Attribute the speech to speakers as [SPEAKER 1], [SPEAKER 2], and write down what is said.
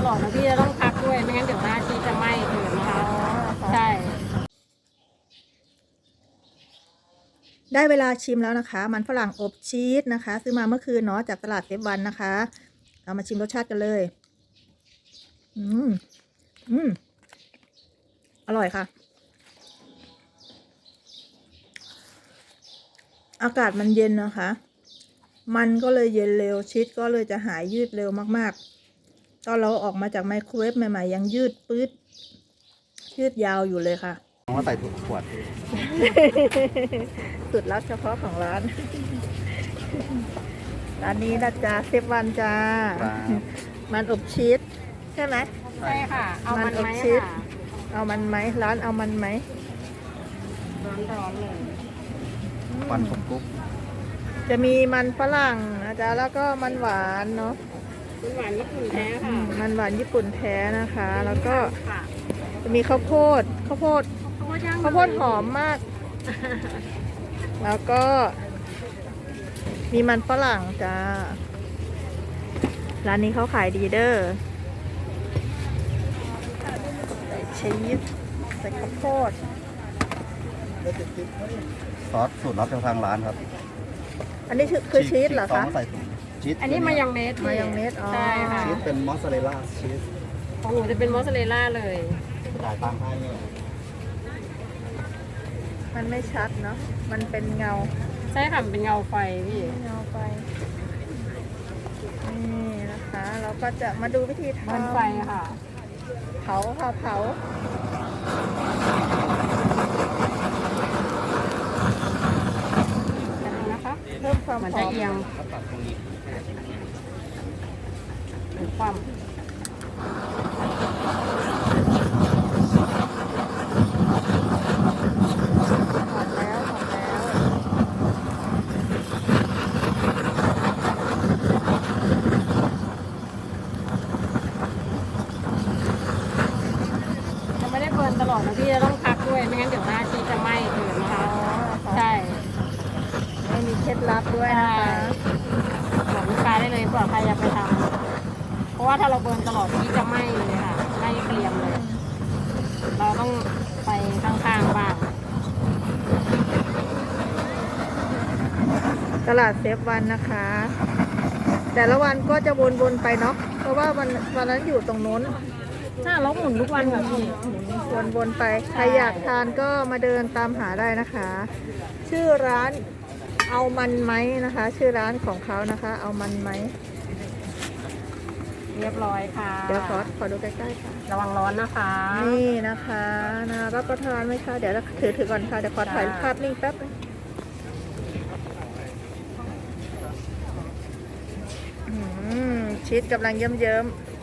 [SPEAKER 1] ลอดนะพี่จะต้องพักด้วยไม่งั้นเดี๋ยวหน้าชีสจะไหม้เกินนะคะใช่
[SPEAKER 2] ได้เวลาชิมแล้วนะคะ มันฝรั่งอบชีสนะคะ ซื้อมาเมื่อคืนเนาะจากตลาดเซฟวันนะคะเรามาชิมรสชาติกันเลยอร่อยค่ะอากาศมันเย็นนะคะ มันก็เลยเย็นเร็วชีสก็เลยจะหายยืดเร็วมากๆตอนเราออกมาจากไมโครเวฟใหม่ๆยังยืดปื๊ดยืดยาวอยู่เลยค่ะ
[SPEAKER 3] ว่าใส่ถุงขวด
[SPEAKER 2] สุดลับเฉพาะของร้าน ร้านนี้นะจ๊ะเซฟวันจ้ามันอบชีสใช่ไหม
[SPEAKER 1] ใช่ค่ะเอามัน
[SPEAKER 2] อบ
[SPEAKER 1] ไหม
[SPEAKER 2] ชีส
[SPEAKER 1] ค่ะ
[SPEAKER 2] เอามันไหมร้านเอามันไหม
[SPEAKER 1] ร้อนๆเลย
[SPEAKER 3] ฟันผมกุ๊บ
[SPEAKER 2] จะมีมันฝรั่งนะจ๊ะแล้วก็มันหวานเนาะ
[SPEAKER 1] มันหวานญี่ปุ่นแท้ค่ะ
[SPEAKER 2] มันหวานญี่ปุ่นแท้นะคะ แล้วก็
[SPEAKER 1] ค่ะ
[SPEAKER 2] จะมีข้าวโพดหอมมาก แล้วก็มีมันฝรั่งจ้าร้านนี้เขาขายดีเด้อใส่ชีสใส่ข้าวโพด
[SPEAKER 3] ซอสสูตรลับจากทางร้านครับ
[SPEAKER 2] อันนี้คือชีสเหรอ
[SPEAKER 3] ต้
[SPEAKER 2] คะ
[SPEAKER 3] องใส่ถุงชีส
[SPEAKER 1] อันนี้มายองเนส
[SPEAKER 2] มายองเนสอ๋อ
[SPEAKER 1] ใช่ค่ะ
[SPEAKER 3] ชีสเป็นมอสซาเรลล่าชีส
[SPEAKER 1] ของหนูจะเป็นมอสซาเรลล่าเลย
[SPEAKER 3] จ่ายตังค์ให้เนี่ย
[SPEAKER 2] มันไม่ชัดเนาะมันเป็นเงา
[SPEAKER 1] ใช่ค่ะมันเป็นเงาไฟพี่
[SPEAKER 2] เงาไปนี่นะคะเราก็จะมาดูวิธีทำ
[SPEAKER 1] มันไฟค่ะ
[SPEAKER 2] เผาค่ะเผา
[SPEAKER 1] นะคะ
[SPEAKER 2] เพิ่มความ
[SPEAKER 1] มัน
[SPEAKER 2] ห
[SPEAKER 1] จะ
[SPEAKER 2] อม
[SPEAKER 1] เอียง
[SPEAKER 3] ตัดตรงนี้
[SPEAKER 1] หรือความ
[SPEAKER 2] หอมแล้วหอมแล้ว
[SPEAKER 1] จะไม่ได้เบิร์นตลอดนะพี่จะต้องพักด้วยไม่งั้นเดี๋ยวหน้าชีสจะไหม้เกินนะคะใช่
[SPEAKER 2] ไม่มีเคล็ดลับด้วยนะคะ
[SPEAKER 1] บอกลูกค้าได้เลยเผื่อใครอยากไปทำเพราะว่าถ้าเราเบิร์นตลอดชีสจะไหม้เลยค่ะไหม้เกรียมเลย เราต้องไปข้างๆบ้าง
[SPEAKER 2] ตลาดเซฟวันนะคะ แต่ละวันก็จะวนๆไปเนาะเพราะว่าวันนั้นอยู่ตรงนู้น
[SPEAKER 1] ถ้าเราหมุนทุกวันค่ะพี่
[SPEAKER 2] วนๆไปใครอยากทานก็มาเดินตามหาได้นะคะ ชื่อร้านเอามันไหมนะคะ ชื่อร้านของเขานะคะ เอามันไหม
[SPEAKER 1] เรียบร้อยค่ะ
[SPEAKER 2] เดี๋ยวขอดูใกล้ๆค่ะ
[SPEAKER 1] ระวังร้อนนะคะ
[SPEAKER 2] นี่นะคะนะรับประทานไหมคะเดี๋ยวถือก่อนค่ะเดี๋ยวขอถ่ายภาพนิ่งแป๊บนึงชีสกำลังเยิ้มๆ